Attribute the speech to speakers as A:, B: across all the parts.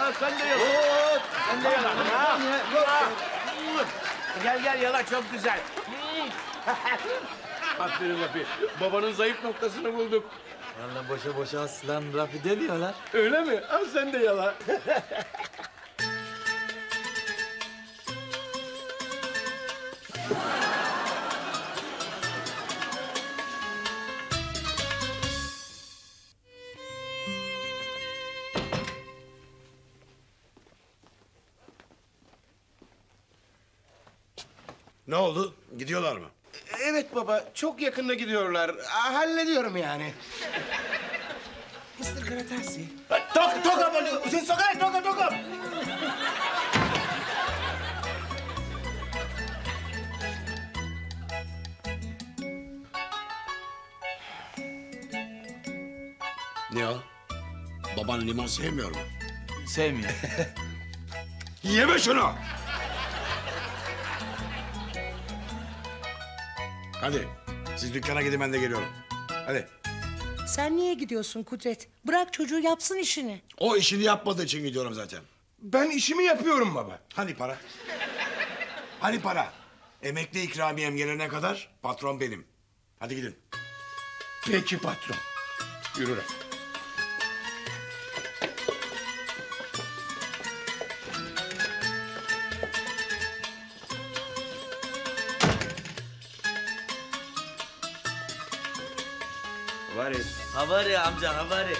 A: Sen de yala. Sen de yala. Gel yala, çok güzel. Aferin Rafi. Babanın zayıf noktasını bulduk.
B: Vallahi boşa boşa aslan Rafi demiyorlar.
A: Öyle mi? Al sen de yala.
C: Ne oldu? Gidiyorlar mı?
D: Evet baba, çok yakında gidiyorlar. Hallediyorum yani. Mr. Gratasi.
C: Toka boluyor. Usun sokar, toka. Ne o? Baban limon sevmiyor mu?
B: Sevmiyor.
C: Yeme şunu! Hadi, siz dükkana gidin, ben de geliyorum. Hadi.
E: Sen niye gidiyorsun Kudret? Bırak çocuğu yapsın işini.
C: O işini yapmadığı için gidiyorum zaten.
D: Ben işimi yapıyorum baba.
C: Hani para? Hani para? Emekli ikramiyem gelene kadar patron benim. Hadi gidin.
D: Peki patron. Yürü Rafi.
B: Havari amca havari.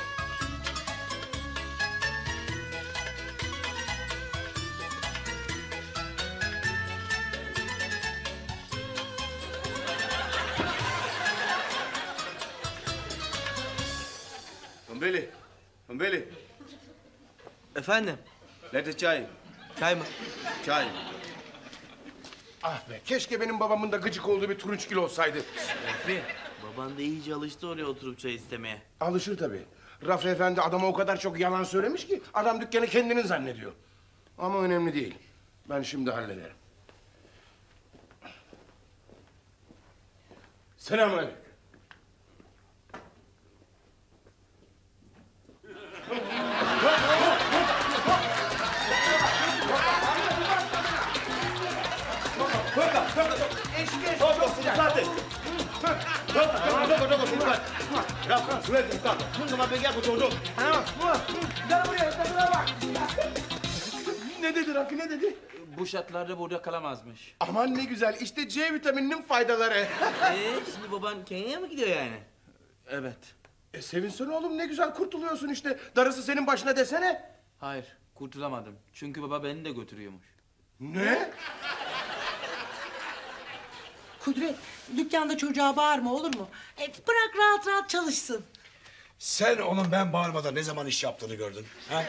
A: Humbeli.
B: Efendim?
A: Nerede çay?
B: Çay mı?
A: Çay.
D: Ah be, keşke benim babamın da gıcık olduğu bir turunçgil olsaydı.
B: Rafi, baban da iyice alıştı oraya oturup çay istemeye.
D: Alışır tabii. Rafi Efendi adama o kadar çok yalan söylemiş ki... ...adam dükkanı kendinin zannediyor. Ama önemli değil. Ben şimdi hallederim. Selamünaleyküm. Ne dedi Rafi, ne dedi?
B: Bu şartlarda burada kalamazmış.
D: Aman ne güzel, işte C vitamininin faydaları.
B: Şimdi baban Kenya'ya mı gidiyor yani? Evet.
D: Sevinsene oğlum, ne güzel kurtuluyorsun işte. Darısı senin başına desene.
B: Hayır, kurtulamadım. Çünkü baba beni de götürüyormuş.
D: Ne?
E: Kudret, dükkanda çocuğa bağırma olur mu? Bırak rahat rahat çalışsın.
C: Sen onun ben bağırmadan ne zaman iş yaptığını gördün? Ha?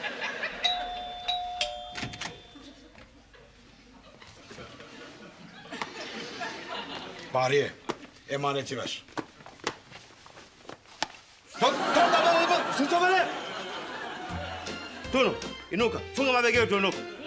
C: Bariye, emaneti ver.
A: Tunu, inuka. Funga mabegeo Tunu.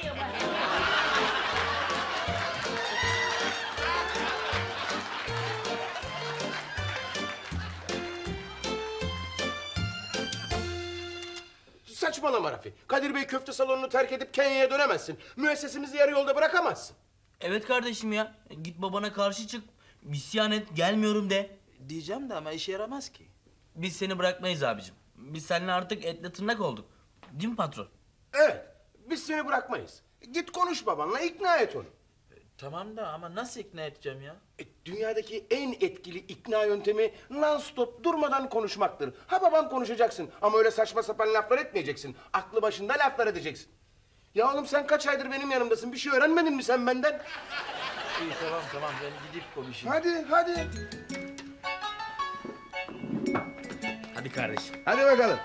D: Saçmalama Rafi. Kadir Bey köfte salonunu terk edip Kenya'ya dönemezsin. Müessesemizi yarı yolda bırakamazsın.
B: Evet kardeşim ya. Git babana karşı çık. İsyan et, gelmiyorum de.
F: Diyeceğim de ama işe yaramaz ki.
B: Biz seni bırakmayız abicim. Biz seninle artık etle tırnak olduk. Değil mi patron?
D: Evet, biz seni bırakmayız. Git konuş babanla, ikna et onu.
F: Tamam da ama nasıl ikna edeceğim ya?
D: Dünyadaki en etkili ikna yöntemi non-stop durmadan konuşmaktır. Ha babam konuşacaksın ama öyle saçma sapan laflar etmeyeceksin. Aklı başında laflar edeceksin. Ya oğlum sen kaç aydır benim yanımdasın? Bir şey öğrenmedin mi sen benden?
F: İyi tamam ben gidip konuşayım.
D: Hadi.
B: Hadi kardeşim.
D: Hadi bakalım.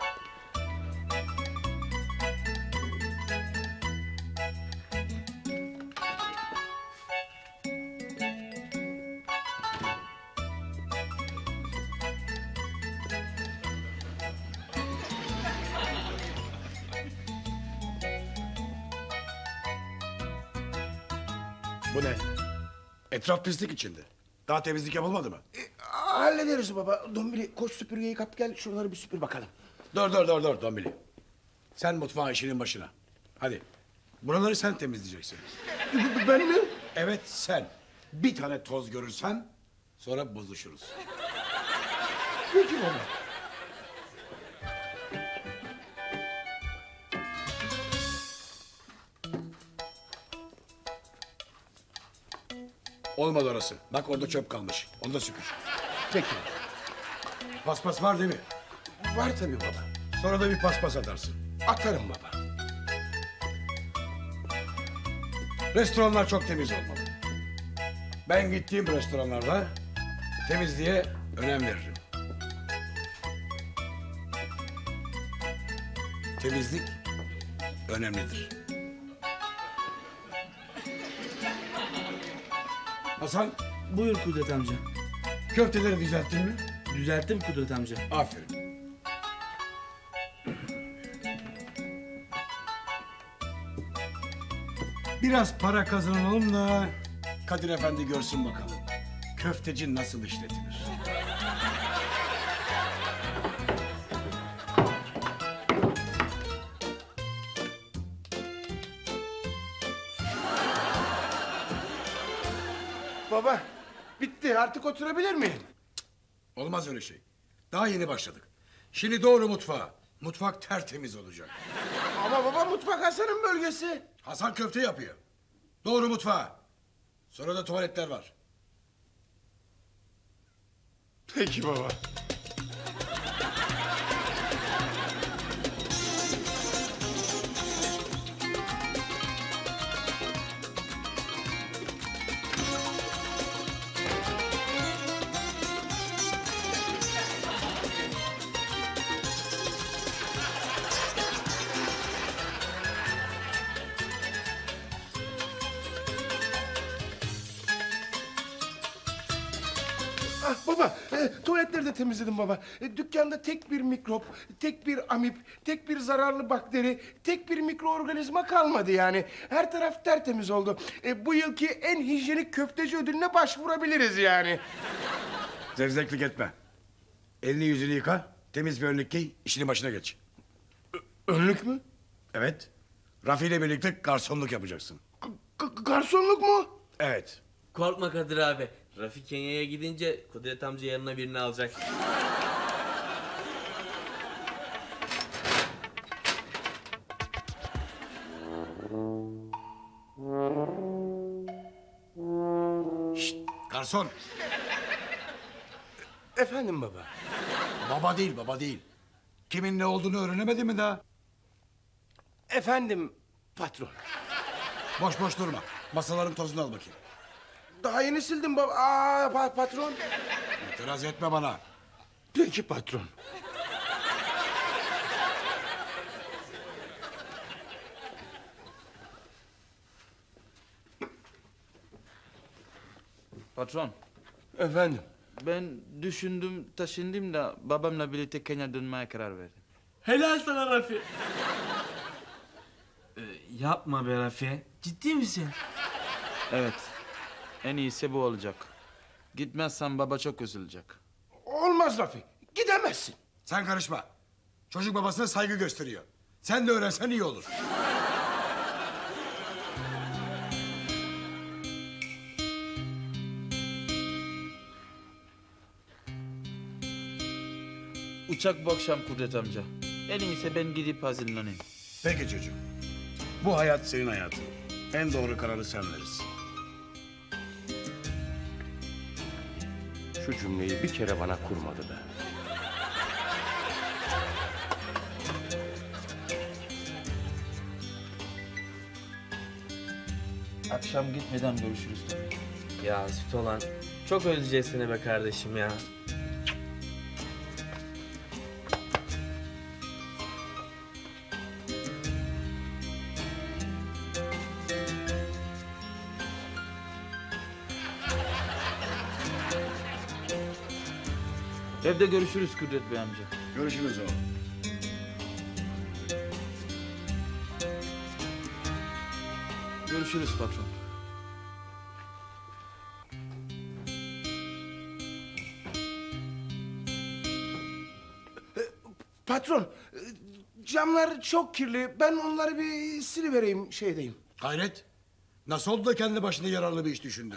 C: Bu ne? Etraf pislik içinde. Daha temizlik yapılmadı mı?
D: Hallederiz baba. Dombili koş süpürgeyi kap gel şuraları bir süpür bakalım.
C: Dur Dombili. Sen mutfağın işinin başına. Hadi. Buraları sen temizleyeceksin.
D: Ben mi?
C: Evet sen. Bir tane toz görürsen sonra bozuşuruz.
D: Peki baba.
C: Olmadı orası. Bak orada çöp kalmış. Onu da süpür.
D: Peki.
C: Paspas var değil mi?
D: Var tabii baba.
C: Sonra da bir paspas atarsın.
D: Atarım baba.
C: Restoranlar çok temiz olmalı. Ben gittiğim restoranlarda temizliğe önem veririm. Temizlik önemlidir. Hasan,
B: Buyur Kudret amca.
C: köfteleri düzelttin mi?
B: Düzelttim Kudret amca.
C: Aferin. Biraz para kazanalım da Kadir Efendi görsün bakalım. Köfteci nasıl işletilir?
D: Baba, bitti. Artık oturabilir miyim?
C: Olmaz öyle şey. Daha yeni başladık. Şimdi doğru mutfağa. Mutfak tertemiz olacak.
D: Ama baba, mutfak Hasan'ın bölgesi.
C: Hasan köfte yapıyor. Doğru mutfağa. Sonra da tuvaletler var.
D: Peki baba. Ah baba, tuvaletleri de temizledim baba. Dükkanda tek bir mikrop, tek bir amip, tek bir zararlı bakteri, tek bir mikroorganizma kalmadı yani. Her taraf tertemiz oldu. Bu yılki en hijyenik köfteci ödülüne başvurabiliriz yani.
C: Zevzeklik etme. Elini yüzünü yıka. Temiz bir önlük giy. İşinin başına geç.
D: Önlük mü?
C: Evet. Rafi ile birlikte garsonluk yapacaksın.
D: Garsonluk mu?
C: Evet.
B: Korkma Kadir abi. Rafi Kenya'ya gidince Kudret amca yanına birini alacak.
C: Şşt, garson.
D: Efendim baba.
C: Baba değil, baba değil. Kimin ne olduğunu öğrenemedi mi daha?
D: Efendim patron.
C: Boş boş durma. Masaların tozunu al bakayım.
D: Daha yeni sildim baba. Patron.
C: İtiraz etme bana.
D: Peki patron.
F: Patron,
D: Efendim.
F: ben düşündüm, taşındım da babamla birlikte Kenya dönmeye karar verdim.
B: Helal sana Rafi. Yapma be Rafi. Ciddi misin?
F: Evet, en iyisi bu olacak. Gitmezsem baba çok üzülecek.
D: Olmaz Rafi. Gidemezsin.
C: Sen karışma. Çocuk babasına saygı gösteriyor. Sen de öğrensen iyi olur.
F: Uçak bu akşam Kudret amca. En iyisi ben gidip hazırlanayım.
C: Peki çocuğum. Bu hayat senin hayatın. En doğru kararı sen verirsin.
D: Şu cümleyi bir kere bana kurmadı be.
F: Akşam gitmeden görüşürüz tabii.
B: Ya süt olan. Çok özleyeceğiz seni be kardeşim ya.
F: Evde görüşürüz Kudret Bey amca.
C: Görüşürüz oğlum.
F: Görüşürüz patron.
D: Patron, Camlar çok kirli. Ben onları bir silivereyim şeydeyim.
C: Hayret. Nasıl oldu da kendi başına yararlı bir iş düşündü?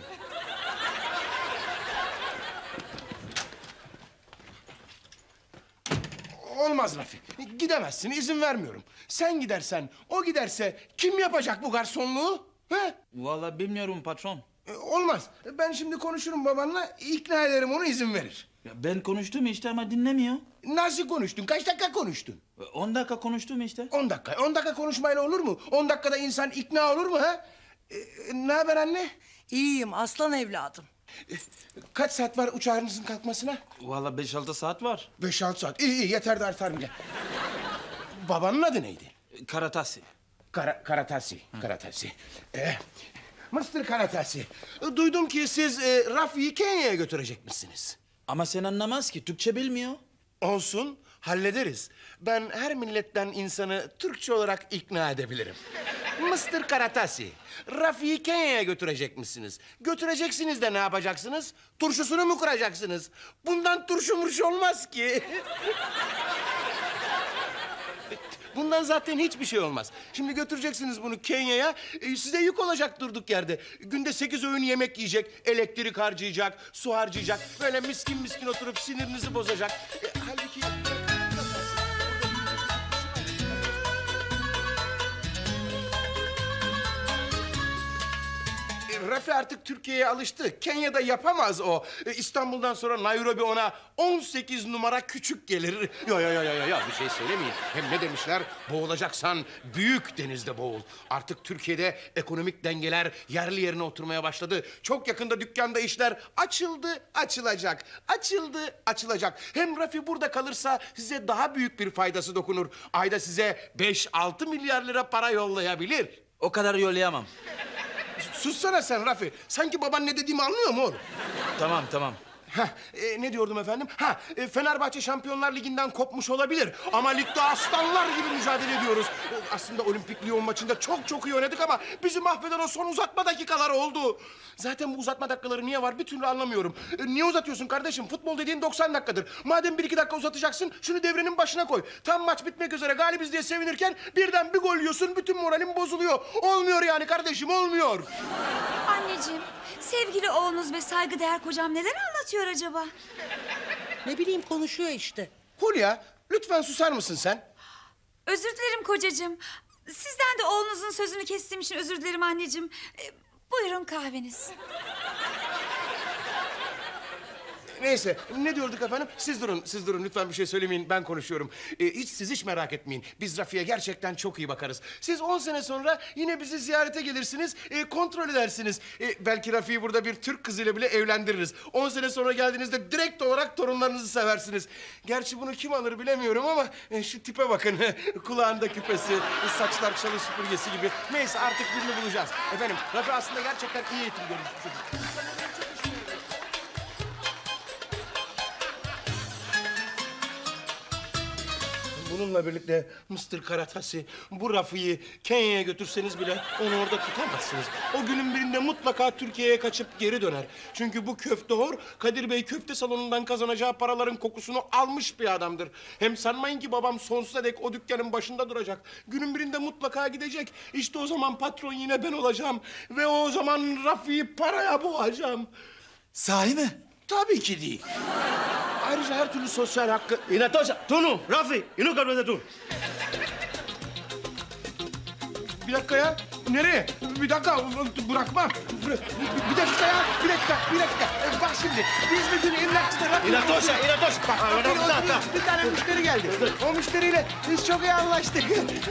D: Olmaz Rafi. Gidemezsin, izin vermiyorum. Sen gidersen, o giderse kim yapacak bu garsonluğu? He?
F: Vallahi bilmiyorum patron.
D: Olmaz. Ben şimdi konuşurum babanla, ikna ederim onu, izin verir.
F: Ya ben konuştum işte ama dinlemiyor.
D: Nasıl konuştun? Kaç dakika konuştun?
F: 10 dakika konuştum işte.
D: 10 dakika. 10 dakika konuşmayla olur mu? 10 dakikada insan ikna olur mu ha? Ne haber anne?
E: İyiyim aslan evladım.
D: Kaç saat var uçağınızın kalkmasına?
F: Vallahi 5-6 saat var.
D: 5-6 saat. İyi yeter de artar bile. Babanın adı neydi?
F: Karatasi.
D: Karatasi. Karatasi. Mr. Karatasi. Duydum ki siz Rafi'yi Kenya'ya götürecekmişsiniz.
F: Ama sen anlamaz ki, Türkçe bilmiyor.
D: Olsun, hallederiz. Ben her milletten insanı Türkçe olarak ikna edebilirim. Mr. Karatasi, Rafi'yi Kenya'ya götürecekmişsiniz. Götüreceksiniz de ne yapacaksınız? Turşusunu mu kuracaksınız? Bundan turşu murşu olmaz ki. Bundan zaten hiçbir şey olmaz. Şimdi götüreceksiniz bunu Kenya'ya. Size yük olacak durduk yerde. Günde 8 öğün yemek yiyecek, elektrik harcayacak, su harcayacak. Böyle miskin miskin oturup sinirinizi bozacak. Halbuki... Rafi artık Türkiye'ye alıştı. Kenya'da yapamaz o. İstanbul'dan sonra Nairobi ona 18 numara küçük gelir. Ya bir şey söylemeyin. Hem ne demişler? Boğulacaksan büyük denizde boğul. Artık Türkiye'de ekonomik dengeler yerli yerine oturmaya başladı. Çok yakında dükkanda işler açıldı, açılacak. Açıldı, açılacak. Hem Rafi burada kalırsa size daha büyük bir faydası dokunur. Ayda size 5-6 milyar lira para yollayabilir.
F: O kadar yollayamam.
D: Sussana sen Rafi. Sanki baban ne dediğimi anlıyor mu oğlum?
F: Tamam.
D: Ne diyordum efendim? Fenerbahçe Şampiyonlar Ligi'nden kopmuş olabilir. Ama ligde aslanlar gibi mücadele ediyoruz. Aslında Olimpik Lyon maçında çok iyi oynadık ama bizi mahveden o son uzatma dakikaları oldu. Zaten bu uzatma dakikaları niye var bir türlü anlamıyorum. Niye uzatıyorsun kardeşim? Futbol dediğin 90 dakikadır. Madem 1-2 dakika uzatacaksın şunu devrenin başına koy. Tam maç bitmek üzere galibiz diye sevinirken birden bir gol yiyorsun, bütün moralin bozuluyor. Olmuyor yani kardeşim, olmuyor.
G: Anneciğim, sevgili oğlunuz ve saygıdeğer kocam neden anlatıyor acaba?
E: Ne bileyim konuşuyor işte.
D: Hulya, lütfen susar mısın sen?
G: Özür dilerim kocacığım. Sizden de oğlunuzun sözünü kestiğim için özür dilerim anneciğim. Buyurun kahveniz.
D: Neyse, ne diyorduk efendim? Siz durun. Lütfen bir şey söylemeyin, ben konuşuyorum. Siz hiç merak etmeyin. Biz Rafi'ye gerçekten çok iyi bakarız. Siz 10 sene sonra yine bizi ziyarete gelirsiniz, kontrol edersiniz. Belki Rafi'yi burada bir Türk kızıyla bile evlendiririz. 10 sene sonra geldiğinizde direkt olarak torunlarınızı seversiniz. Gerçi bunu kim alır bilemiyorum ama şu tipe bakın. Kulağında küpesi, saçlar çalı süpürgesi gibi. Neyse artık birini bulacağız. Efendim, Rafi aslında gerçekten iyi eğitim görmüş bir çocuk. Bununla birlikte Mr. Karatasi, bu Rafi'yi Kenya'ya götürseniz bile onu orada tutamazsınız. O günün birinde mutlaka Türkiye'ye kaçıp geri döner. Çünkü bu köftehor Kadir Bey köfte salonundan kazanacağı paraların kokusunu almış bir adamdır. Hem sanmayın ki babam sonsuza dek o dükkanın başında duracak. Günün birinde mutlaka gidecek. İşte o zaman patron yine ben olacağım. Ve o zaman Rafi'yi paraya boğacağım.
F: Sahi mi?
D: Tabii ki değil. Ayrıca her türlü sosyal hakkı...
A: Inatosha, Tunu, Rafi, inuka brother tú.
D: Bir dakika ya. Nereye? Bir dakika. Bırakma. Bir dakika ya. Bir dakika. Bak şimdi. Biz bir gün emlakçıda...
A: Inatosha.
D: Bak, bir tane müşteri geldi. O müşteriyle biz çok iyi anlaştık.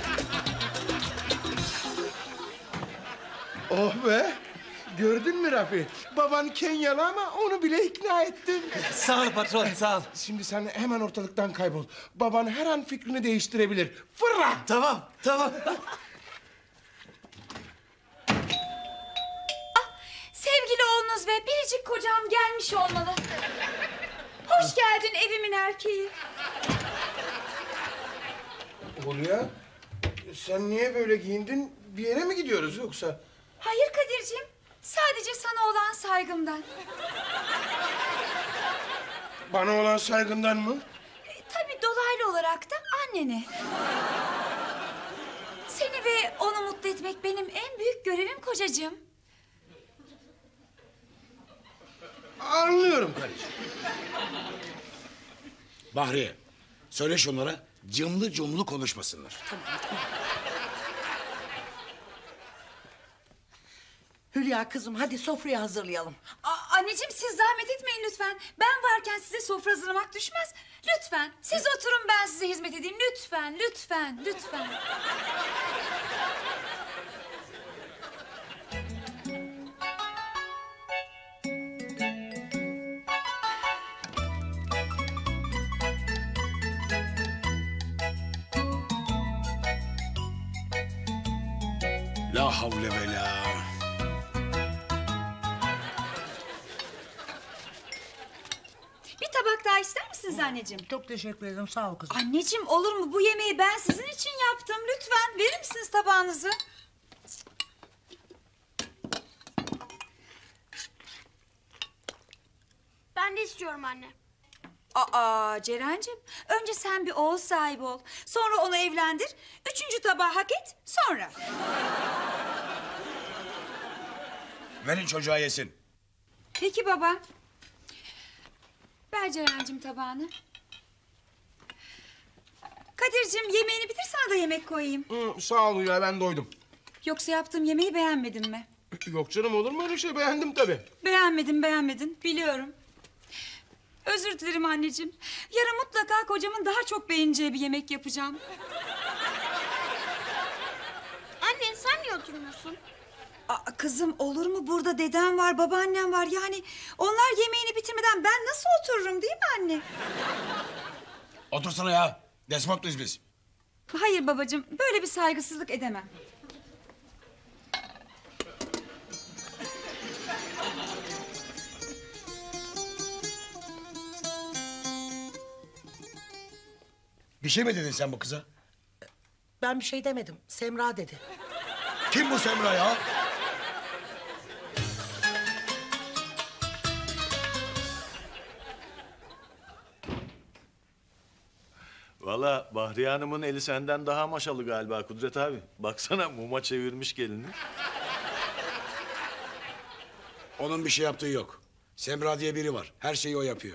D: Oh be. Gördün mü Rafi? Baban Kenyalı ama onu bile ikna ettin.
F: Sağ ol patron, sağ ol.
D: Şimdi sen hemen ortalıktan kaybol. Baban her an fikrini değiştirebilir. Fırla!
F: Tamam.
G: Sevgili oğlunuz ve biricik kocam gelmiş olmalı. Hoş geldin evimin erkeği.
D: Hulya, sen niye böyle giyindin? Bir yere mi gidiyoruz yoksa?
G: Hayır Kadir'ciğim. Sadece sana olan saygımdan.
D: Bana olan saygından mı?
G: Tabii dolaylı olarak da annene. ve onu mutlu etmek benim en büyük görevim kocacığım.
D: Anlıyorum karıcığım.
C: Bahriye, söyle şunlara cımlı cumlu konuşmasınlar.
E: Hülya kızım hadi sofrayı hazırlayalım.
G: Anneciğim siz zahmet etmeyin lütfen. Ben varken size sofra hazırlamak düşmez. Lütfen siz oturun, ben size hizmet edeyim. Lütfen, lütfen, lütfen.
C: La havle ve la.
G: Bir tabak daha ister misiniz anneciğim?
E: Çok teşekkür ederim sağ ol kızım.
G: Anneciğim olur mu? Bu yemeği ben sizin için yaptım. Lütfen verir misiniz tabağınızı?
H: Ben de istiyorum anne.
G: Aa Ceren'cim, önce sen bir oğul sahibi ol. Sonra onu evlendir. 3. tabağı hak et, sonra.
C: Verin çocuğa yesin.
G: Peki baba. Ver Ceren'cim tabağını. Kadir'cim yemeğini bitir, sana da yemek koyayım.
D: Sağ ol ya, ben doydum.
G: Yoksa yaptığım yemeği beğenmedin mi?
D: Yok canım, olur mu öyle şey? Beğendim tabii.
G: Beğenmedin biliyorum. Özür dilerim anneciğim. Yarın mutlaka kocamın daha çok beğeneceği bir yemek yapacağım.
H: Anne sen niye oturmuyorsun?
G: Aa, kızım olur mu, burada dedem var, babaannem var. Yani onlar yemeğini bitirmeden ben nasıl otururum, değil mi anne?
C: Otursana ya. Despotluyuz biz.
G: Hayır babacığım, böyle bir saygısızlık edemem.
C: Bir şey mi dedin sen bu kıza?
E: Ben bir şey demedim. Semra dedi.
C: Kim bu Semra ya?
A: Valla Bahriye Hanım'ın eli senden daha maşalı galiba Kudret abi. Baksana muma çevirmiş gelini.
C: Onun bir şey yaptığı yok. Semra diye biri var. Her şeyi o yapıyor.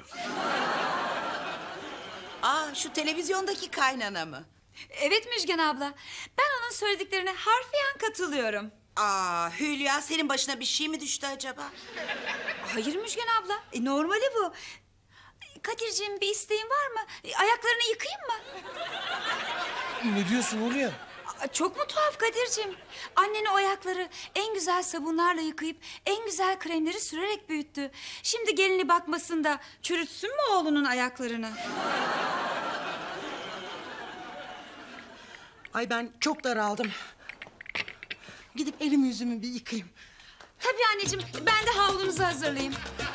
I: Aa, şu televizyondaki kaynana mı?
G: Evet Müjgan abla, ben onun söylediklerine harfiyen katılıyorum.
I: Aa, Hülya senin başına bir şey mi düştü acaba?
G: Hayır Müjgan abla, normali bu. Kadir'ciğim bir isteğin var mı? Ayaklarını yıkayayım mı?
D: Ne diyorsun Hulya?
G: Çok mu tuhaf Kadir'ciğim? Anneni o ayakları en güzel sabunlarla yıkayıp en güzel kremleri sürerek büyüttü. Şimdi gelini bakmasın da çürütsün mü oğlunun ayaklarını?
E: Ay ben çok daraldım. Gidip elimi yüzümü bir yıkayayım.
G: Tabii anneciğim, ben de havlunuzu hazırlayayım.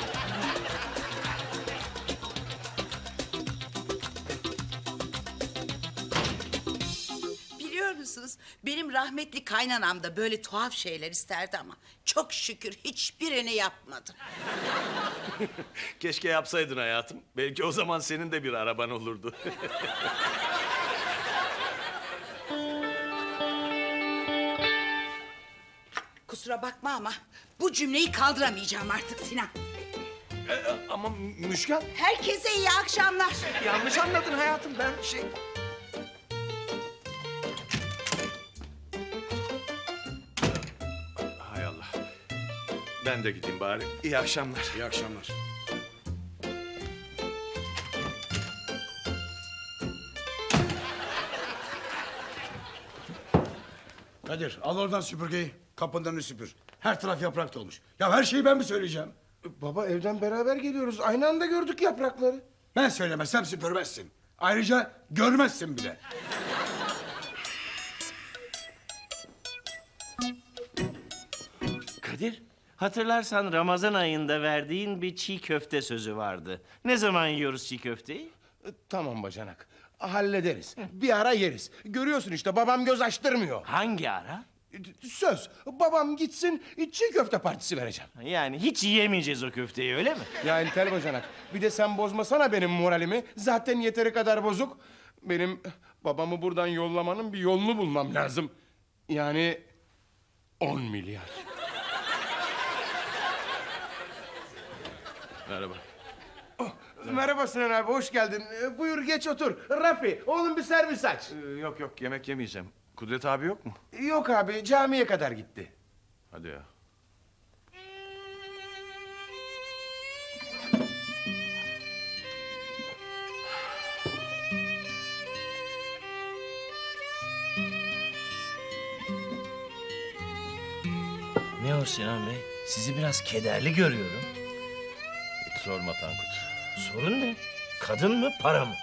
I: Biliyor musunuz? Benim rahmetli kaynanam da böyle tuhaf şeyler isterdi ama çok şükür hiçbirini yapmadı.
A: Keşke yapsaydın hayatım. Belki o zaman senin de bir araban olurdu.
I: Kusura bakma ama bu cümleyi kaldıramayacağım artık Sinan.
D: Ama Müşkan,
I: Herkese iyi akşamlar.
D: yanlış anladın hayatım. Ben
A: Hay Allah. Ben de gideyim bari. İyi akşamlar.
C: İyi akşamlar. Kadir al oradan süpürgeyi. Kapının önünü süpür. Her taraf yaprak dolmuş. Ya her şeyi ben mi söyleyeceğim?
D: Baba, evden beraber geliyoruz. Aynı anda gördük yaprakları.
C: Ben söylemezsem süpürmezsin. Ayrıca görmezsin bile.
J: Kadir, hatırlarsan Ramazan ayında verdiğin bir çiğ köfte sözü vardı. Ne zaman yiyoruz çiğ köfteyi?
D: Tamam bacanak. Hallederiz. Bir ara yeriz. Görüyorsun işte, babam göz açtırmıyor.
J: Hangi ara?
D: Söz. Babam gitsin, çiğ köfte partisi vereceğim.
J: Yani hiç yiyemeyeceğiz o köfteyi, öyle mi?
D: Ya entel bacanak. Bir de sen bozmasana benim moralimi. Zaten yeteri kadar bozuk. Benim babamı buradan yollamanın bir yolunu bulmam lazım. Yani 10 milyar.
A: Merhaba.
D: Merhaba Sinan abi, hoş geldin. Buyur geç otur. Rafi, oğlum bir servis aç.
A: Yok yok, yemek yemeyeceğim. Kudret abi yok mu?
D: Yok abi, camiye kadar gitti.
A: Hadi ya.
J: Ne o Sinan Bey? Sizi biraz kederli görüyorum.
A: Hiç sorma Tankut.
J: Sorun ne? Kadın mı, para mı?